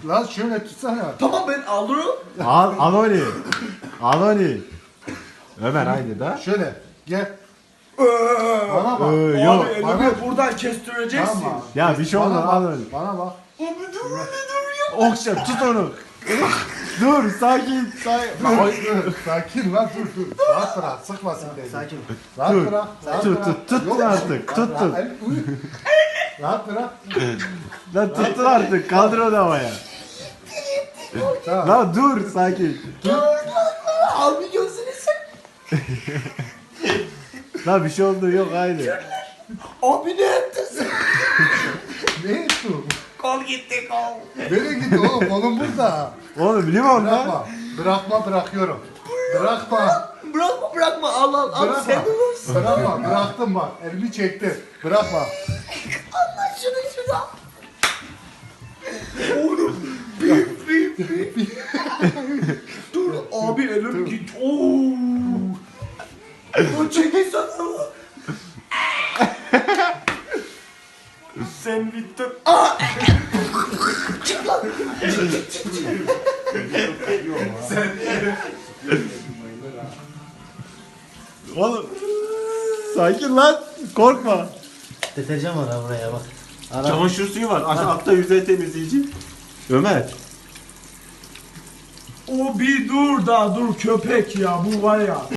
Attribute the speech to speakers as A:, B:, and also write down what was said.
A: Lan şöyle tutsana.
B: Tamam ben alırım.
C: Al onu. Al onu. Ömer aynı da.
A: Şöyle gel. Bana bak.
C: Yok.
B: Abi elimi
A: bana-
B: buradan kestireceksin.
A: Tamam.
C: Ya bir şey olmaz,
A: Bana
C: al
A: bak,
C: onu.
A: Bana bak.
B: Abi dur ya.
C: Okşa tut onu. Dur sakin.
A: Dur, sakin lan dur. Rahat bırak, sıkmasın beni.
B: Sakin.
A: Rahat
C: Dur.
A: bırak. Rahat
C: Tut,
A: bırak.
C: tut, tut
A: Yok,
C: artık, tut,
A: rahat-
C: tut.
A: el- uy. Rahat bırak.
C: Lan tutun artık. Kaldır onu havaya.
A: Tamam.
C: Lan dur sakin.
B: Abi gözünü sen.
C: Lan bir şey oldu yok aynı.
B: Abi ne yaptın sen?
A: Ne ettin?
B: Kol gitti kol.
A: Nereye gitti oğlum? Kolum burada.
C: Oğlum limon lan.
A: Bırakma. Bırakma bırakıyorum. Bırakma.
B: Bırakma al al al
A: Bırakma.
B: sen olursun.
A: Bırakma. Bıraktım bak. Elimi çektim. Bırakma.
B: Allah şunu şuna. Oğlum bir. Dur abi elim git. Oo. O çekil sana. Sen bittin. Çık lan.
C: Oğlum. Sakin lan. Korkma.
D: Deterjan var ha buraya bak. Ara.
C: Çamaşır suyu var. Altta yüzey temizleyici. Ömer.
B: O bir dur da dur köpek ya bu var ya.